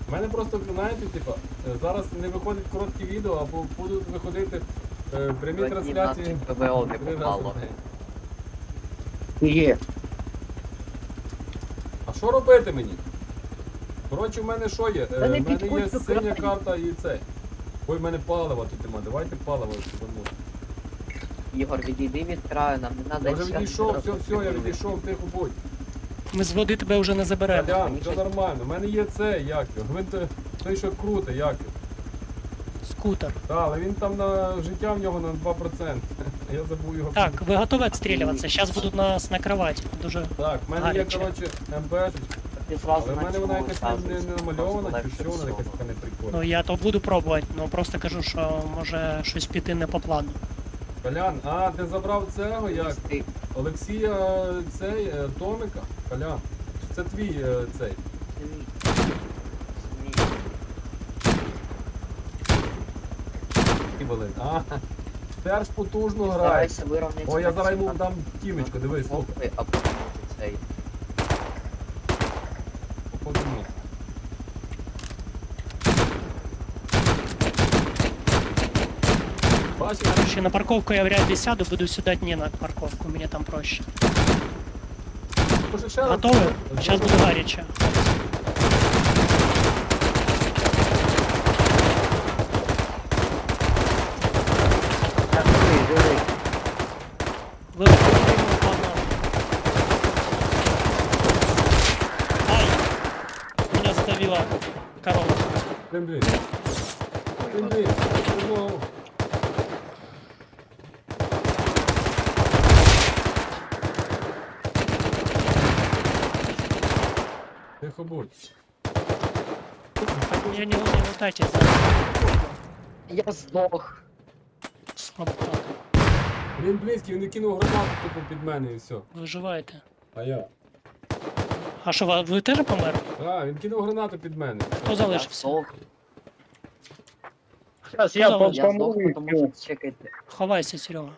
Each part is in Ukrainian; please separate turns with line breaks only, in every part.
У мене просто, знаєте, типа, зараз не виходять короткі відео, або будуть виходити прямі трансляції.
ПВО не
3 рази
попало.
в день.
Є.
А що робити мені? Коротше, в мене що є?
Та не
В мене є
підходь до
синя
краю.
карта і цей. Ой, в мене палива тут нема, давайте паливо сюди.
Ігор, відійди від краю, нам не
Я
треба
вже відійшов, все, я відійшов, тихо будь.
Ми з води тебе вже не заберемо.
Колян, все нормально, в мене є цей, як його. Гвинт, той, що круте, як його.
Скутер.
Так, але він там на життя в нього на 2%. Я забув його.
Так, ви готові відстрілюватися? Зараз будуть нас накривати. Дуже.
Так, в мене є,
гаряче.
коротше, МПшечка.
Ти зразу
Але в мене вона якась не намальована, чи
Легше
що, вона
всього.
якась така не прикольна.
Ну я то буду пробувати, ну просто кажу, що може щось піти не по плану.
Колян, а ти забрав цього, як?
Ти-
Олексія цей, Томика? Колян, чи це твій цей? І велик. А, теж потужно грає.
Старайся вирівняти.
О, я зараз йому дам тімечко, дивись, слухай.
А потім цей.
Походу ні. Бачиш?
Короче, на парковку я вряд ли сяду, буду сюда не на парковку, мне там проще.
Може ще раз?
Готовы? Сейчас буду горячо.
Так, живий.
Вы погнали. Ай! Меня задавила корова.
Блін. Знову. Тихо будь.
Я не лутайте.
Я здох.
Слабо.
Він близький, він не кинув гранату тупо під мене і все.
Виживаєте.
А я?
А що, ви теж померли?
А, він кинув гранату під мене.
Хто
Я
залишився?
здох.
Зараз я
Ну,
Я здох,
попомогу.
тому що чекайте.
Ховайся, Серега.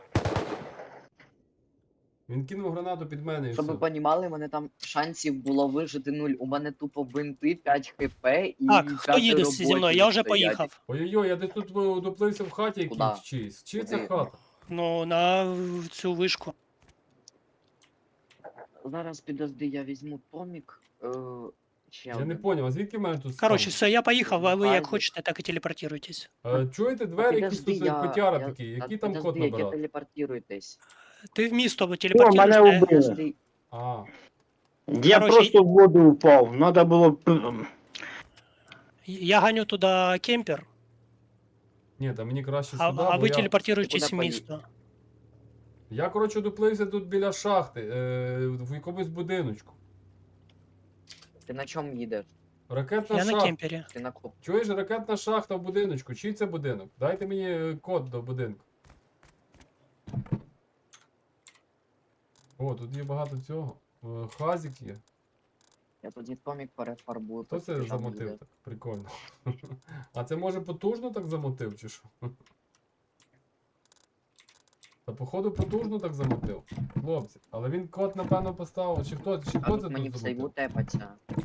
Він кинув гранату під мене і
Щоб ви
все.
понімали, мене там шансів було вижити 0. У мене тупо бинти, 5 хп і
Так, хто їде
п'ятеро
зі мною?
ботів
Я вже
стоять.
поїхав.
Ой-ой-ой, я десь тут доплився в хаті
Куда?
якійсь чиїсь. Чи це
Куди?
хата?
Ну, на цю вишку.
Зараз підожди, я візьму томік. Ще
Я не
один.
поняв, а звідки в мене тут
Коротше, все, я поїхав, а ви як
Хайзер.
хочете, так і телепортуйтесь.
Чуєте, двері якісь
Підожди,
тут котяра такі,
я-
який
та
там код
підожди, як
набирати?
телепортируйтесь.
Ти в місто
О,
телепортуєш.
мене вбили.
Підожди.
А,
Я
Короче,
просто в воду упав. Надо було
Я ганю туди кемпер,
ні, та мені краще
а,
сюди,
а
бо
ви
я...
телепортуєтесь в
Куди
місто.
Я, коротше, доплився тут біля шахти, в якомусь будиночку.
Ти на чому їдеш?
Ракетна
Я на
шахта.
кемпері.
Ти на коп.
Чуєш, ракетна шахта в будиночку. Чий це будинок? Дайте мені код до будинку. О, тут є багато цього. Хазік є.
Я тоді томік перефарбую.
Хто це
поспішав
замотив
їде.
так? Прикольно. А це може потужно так замотив, чи що? Та походу потужно так замотив. Хлопці. Але він код, напевно, поставив. Чи хто
А
це
тут мені
тут
в сейву
замотив?
тепаться.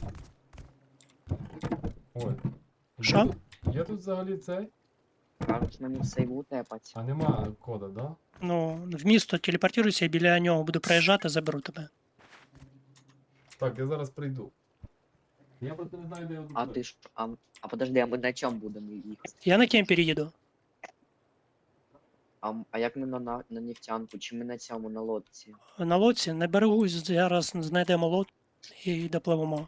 Ой.
Що?
Є тут взагалі цей?
Кажуть, мені в сейву тепаться.
А нема кода, да?
Ну, в місто телепортуйся, біля нього буду проїжджати, заберу тебе.
Так, я зараз прийду. Я просто не знаю, де я
А ти ж. А подожди, а ми на чому будемо їхати?
Я на кемпері їду.
А як ми на нефтянку? Чи ми на цьому на лодці?
На лодці, на берегу зараз знайдемо лодку і допливемо.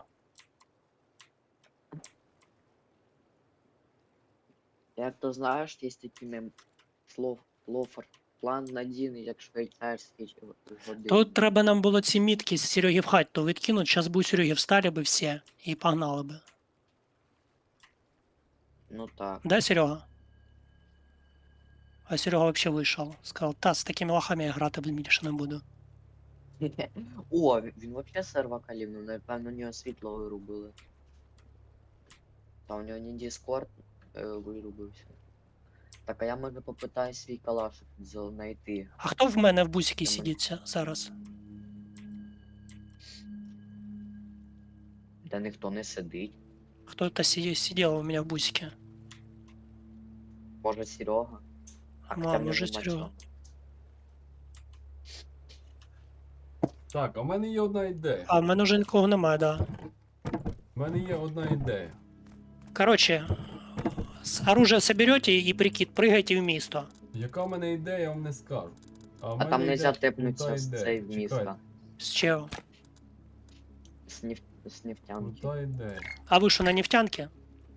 Як то знаєш, є такі мем лофер. План надійний, як швейцарський годин.
Тут треба нам було ці мітки з Сереги в хату відкинути, зараз би у Сереги встали би всі і погнали би.
Ну так.
Да, Серега? А Серега вообще вийшов. Сказав, та з такими лохами я грати більше не буду.
О, він вообще серва калівнув, напевно, у нього світло вирубили. Та у нього не Discord вирубився. Так, а я може попитаю свій калаш знайти.
А хто в мене в бусіки сидиться зараз?
Та ніхто не сидить.
Кто-то сидел у меня в бусике.
Може Серега? А
Ну,
хоча
а
в нього
може
нема
Серега.
цього.
Так, а в мене є одна ідея.
А в мене вже нікого немає, да.
В мене є одна ідея.
Короче, оружие соберете и прикид, прыгайте в місто.
Яка в мене ідея, я вам не скажу. в
А
мене
там нельзя
йде
тепнутися
крута
з
ідея.
цей в місто.
Чекайте,
З чого?
З нефтянки.
крута ідея.
А ви що, на нефтянке?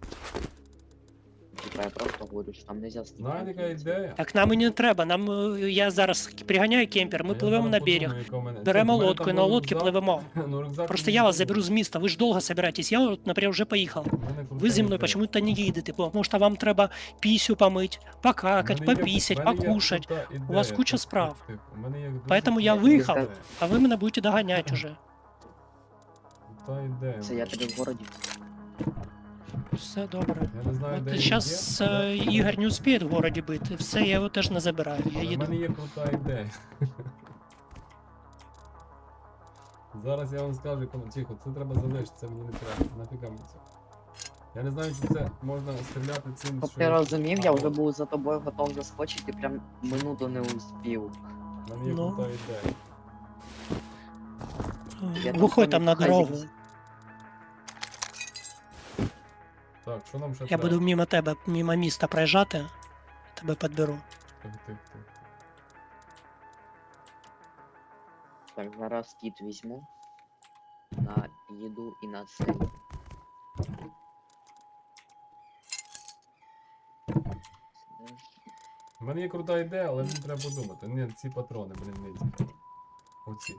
Типа я просто говорю, що там нельзя з
Знаєте,
нефтянки
яка
йти.
ідея?
Так нам і не треба. Нам я зараз приганяю кемпер, ми
А я
пливемо
зараз
на
подумаю,
берег,
яка в мене-
беремо
Це, в мене
лодку і
там
на
був
лодці
рюкзак.
пливемо.
Ну, рюкзак
Просто
мені
я вас
не
заберу з міста, ви ж довго собираетесь. Я, от, наприклад, вже поїхав.
У мене крута
Ви зі мною
ідея.
почему-то не їдете, тому що вам треба пісю помить, покакать,
У мене є-
попісять,
в мене є
покушать.
крута ідея.
У вас куча
Тихо,
справ.
тихо. У мене є дуже
Поэтому я
крута
виїхав.
ідея.
А ви мене будете доганяти уже.
Крута ідея.
Це я тобі в городі.
Все добре.
Я не знаю, де
От
він
зараз
є.
Ігор не успіє в городі бити, все, я його теж не забираю, я
Але в
їду.
мене є крута ідея. Зараз я вам скажу, коли тихо, це треба залишити, це мені не треба. Нафіга мені це. Я не знаю, чи це можна стріляти цим.
Щоб
що
ти
я-
розумів, я
А,
вже
от,
був за тобою готов заскочити, прям минуту не успів.
в мене є
Ну.
крута ідея.
Я
Виходь там на
хай
дорогу.
зі-
Так, що нам ще
Я
треба?
буду мимо тебе, мимо міста проїжджати, тебе підберу.
Тихо.
Так, зараз кіт візьму. На їду і на цей.
У мене є крута ідея, але мені треба подумати. Ні, ці патрони, не ці. Оці.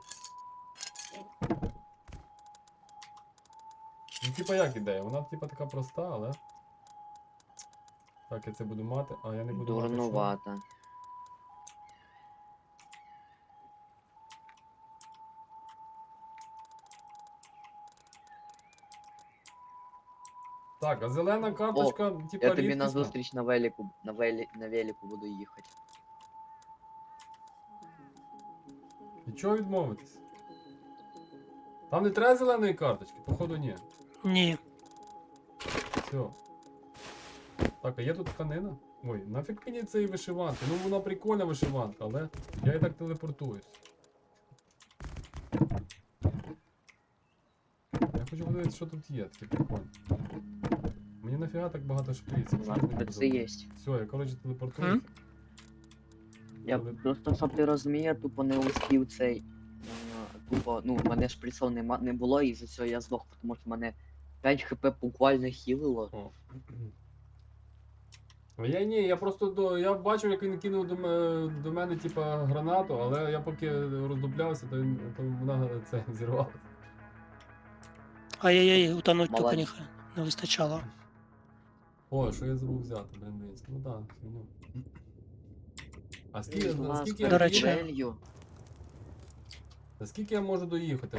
Ну, типа як ідея? Вона типа така проста, але. Так, я це буду мати, а я не буду мати. що?
Дурнувата.
Так, а зелена карточка, типа
Я тобі на
рідкісна.
зустріч на велику буду їхати.
І чого відмовитись? Там не треба зеленої карточки, походу ні.
Ні,
Все. Так, а є тут тканина? Ой, нафіг мені цієї вишиванки. Ну вона прикольна вишиванка, але я і так телепортуюсь. Я хочу подивитися, що тут є, таке прикольне. Мені нафіга так багато шприців.
У нас це є.
Все, я коротше телепортуюся.
Я
Але-
просто, щоб ти розумів, я тупо не успів цей. Тупо, ну, мене шприцов не було, і за цього я здох, тому що мене 5 хп буквально хілило.
О. А я просто я бачив, як він кинув до мене, типа, гранату, але я поки роздуплявся, то вона це зірвалася.
ай-яй-яй, утонуть тільки
Молодець.
не вистачало.
О, що я забув взяти, блин, дивіться. Ну так, ну. А скільки,
Будь ласка,
скільки,
До речі.
дуелью.
скільки я можу доїхати?